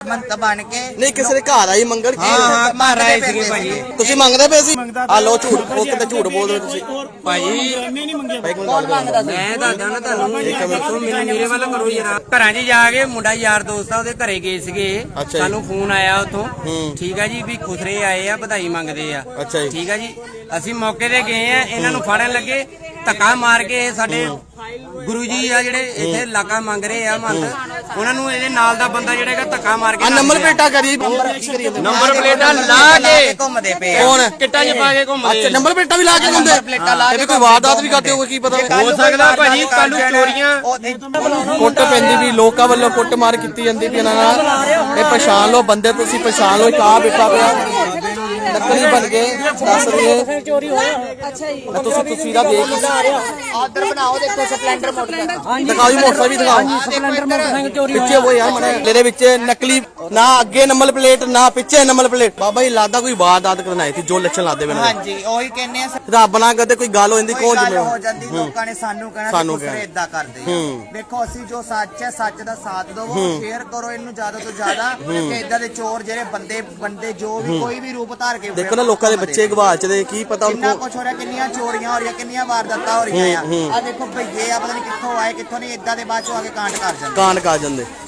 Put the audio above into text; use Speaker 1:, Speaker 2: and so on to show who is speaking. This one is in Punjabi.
Speaker 1: ਮੰਤ ਬਣ ਕੇ
Speaker 2: ਨਹੀਂ ਕਿਸੇ ਦੇ ਘਰ ਆਈ ਮੰਗਣ ਕੀ
Speaker 1: ਹਾਂ ਘਰ ਆਏ ਸੀਗੇ ਭਾਜੀ।
Speaker 2: ਤੁਸੀਂ ਮੰਗਦੇ ਪਏ ਸੀ? ਆ ਲੋ ਝੂਠ, ਉਹ ਕਿਤੇ ਝੂਠ ਬੋਲ ਰਹੇ ਤੁਸੀਂ
Speaker 1: ਭਾਜੀ
Speaker 2: ਕੌਣ ਮੰਗਦਾ?
Speaker 1: ਮੈਂ ਦੱਸਦਾ ਨਾ ਤੁਹਾਨੂੰ, ਮੈਨੂੰ ਮੇਰੇ ਵੱਲ ਕਰੋ ਯਾਰ। ਘਰਾਂ 'ਚ ਜਾ ਕੇ ਮੁੰਡਾ ਯਾਰ ਦੋਸਤ ਆ ਉਹਦੇ ਘਰੇ ਗਏ ਸੀਗੇ,
Speaker 2: ਅੱਛਾ ਜੀ।
Speaker 1: ਸਾਨੂੰ ਫੋਨ ਆਇਆ ਉਥੋਂ, ਠੀਕ ਆ ਜੀ, ਵੀ ਖੁਸਰੇ ਆਏ ਆ, ਵਧਾਈ ਮੰਗਦੇ ਆ,
Speaker 2: ਅੱਛਾ ਜੀ।
Speaker 1: ਠੀਕ ਆ ਜੀ। ਅਸੀਂ ਮੌਕੇ ਤੇ ਗਏ ਆ, ਇਹਨਾਂ ਨੂੰ ਫੜਨ ਲੱਗੇ, ਧੱਕਾ ਮਾਰ ਕੇ ਸਾਡੇ ਗੁਰੂ ਜੀ ਆ ਜਿਹੜੇ ਇੱਥੇ ਇਲਾਕਾ ਮੰਗ ਰਹੇ ਆ ਮੰਤ, ਉਹਨਾਂ ਨੂੰ ਇਹਦੇ ਨਾਲ ਦਾ ਬੰਦਾ ਜਿਹੜਾ ਹੈਗਾ ਧੱਕਾ ਮਾਰ ਕੇ
Speaker 2: ਨੰਬਰ ਪਲੇਟਾਂ ਕਰੀ
Speaker 1: ਨੰਬਰ ਪਲੇਟਾਂ ਲਾ ਕੇ ਘੁੰਮਦੇ ਪਏ ਆ।
Speaker 2: ਕੌਣ?
Speaker 1: ਕਿੱਟਾਂ 'ਚ ਪਾ ਕੇ ਘੁੰਮਦੇ।
Speaker 2: ਅੱਛਾ ਨੰਬਰ ਪਲੇਟਾਂ ਵੀ ਲਾ ਕੇ ਘੁੰਮਦੇ? ਇਹ ਵੀ ਕੋਈ ਵਾਰਦਾਤ ਵੀ ਕਰਦੇ ਹੋਗੇ, ਕੀ ਪਤਾ
Speaker 1: ਹੋ ਸਕਦਾ ਭਾਜੀ ਕੱਲ ਨੂੰ ਚੋਰੀਆਂ।
Speaker 2: ਕੁੱਟ ਪੈਂਦੀ ਵੀ, ਲੋਕਾਂ ਵੱਲੋਂ ਕੁੱਟ ਮਾਰ ਕੀਤੀ ਜਾਂਦੀ ਵੀ ਇਹਨਾਂ ਨਾਲ। ਇਹ ਪਛਾਣ ਲਓ ਬੰਦੇ, ਤੁਸੀਂ ਪਛਾਣ ਲਓ। ਇੱਕ ਆ ਬੈਠਾ ਪਿਆ ਨਕਲੀ ਬਣ ਕੇ ਦੱਸ ਰਹੇ ਚੋਰੀ ਹੋਇਆ। ਅੱਛਾ ਜੀ, ਤੁਸੀਂ ਤਸਵੀਰਾਂ ਦੇਖ
Speaker 1: ਆਰਡਰ ਬਣਾਓ, ਦੇਖੋ ਸਪਲੈਂਡਰ ਮੋਟਰਸਾਈਕਲ
Speaker 2: ਦਿਖਾਓ ਜੀ, ਮੋਟਰਸਾਈਕਲ ਵੀ ਦਿਖਾਓ।
Speaker 1: ਸਪਲੈਂਡਰ ਮੋਟਰਸਾਈਕਲ ਚੋਰੀ
Speaker 2: ਪਿੱਛੇ ਉਹ ਯਾਰ ਮਨੇ ਇਹਦੇ ਵਿੱਚ ਨਕਲੀ, ਨਾ ਅੱਗੇ ਨੰਬਰ ਪਲੇਟ ਨਾ ਪਿੱਛੇ ਨੰਬਰ ਪਲੇਟ। ਬਾਬਾ ਜੀ ਲੱਗਦਾ ਕੋਈ ਵਾਰਦਾਤ ਕਰਨ ਆਏ ਸੀ, ਜੋ ਲੱਛਣ ਲਾਦੇ ਬਣਾ।
Speaker 1: ਹਾਂਜੀ ਉਹੀ ਕਹਿੰਦੇ ਆ,
Speaker 2: ਰੱਬ ਨਾ ਕਰਦੇ ਕੋਈ ਗੱਲ ਹੋ ਜਾਂਦੀ, ਕੌਣ
Speaker 1: ਗੱਲ
Speaker 2: ਜ਼ਿੰਮੇਵਾਰ?
Speaker 1: ਹੋ ਜਾਂਦੀ, ਲੋਕਾਂ ਨੇ ਸਾਨੂੰ ਕਹਿਣਾ
Speaker 2: ਸਾਨੂੰ
Speaker 1: ਕਿ ਤੁਸੀਂ ਇਦਾਂ ਕਰਦੇ ਆ। ਦੇਖੋ ਅਸੀਂ ਜੋ ਸੱਚ ਹੈ, ਸੱਚ ਦਾ ਸਾਥ ਦਿਵੋ, ਸ਼ੇਅਰ ਕਰੋ ਇਹਨੂੰ ਜ਼ਿਆਦਾ ਤੋਂ ਜ਼ਿਆਦਾ, ਕਿ ਇਦਾਂ ਦੇ ਚੋਰ ਜਿਹੜੇ ਬੰਦੇ ਜੋ ਵੀ ਕੋਈ ਵੀ ਰੂਪ ਧਾਰ ਕੇ
Speaker 2: ਦੇਖੋ ਨਾ ਲੋਕਾਂ ਦੇ ਬੱਚੇ ਗਵਾਚ ਦੇ, ਕੀ ਪਤਾ
Speaker 1: ਕਿੰਨਾ
Speaker 2: ਉनको
Speaker 1: ਕੁਛ ਹੋ ਰਿਹਾ, ਕਿੰਨੀਆਂ ਚੋਰੀਆਂ ਹੋ ਰਹੀਆਂ, ਕਿੰਨੀਆਂ ਵਾਰਦਾਤਾਂ ਹੋ ਰਹੀਆਂ ਆ। ਆ ਦੇਖੋ ਭਈਏ ਆ, ਪਤਾ ਨਹੀਂ ਕਿੱਥੋਂ ਆਏ ਕਿੱਥੋਂ ਨਹੀਂ, ਇਦਾਂ ਦੇ ਬਾਅਦ ਚੋਂ ਆ ਕੇ ਕਾਂਡ ਕਰ ਜਾਂਦੇ।
Speaker 2: ਕਾਂਡ ਕਰ ਜਾਂਦੇ।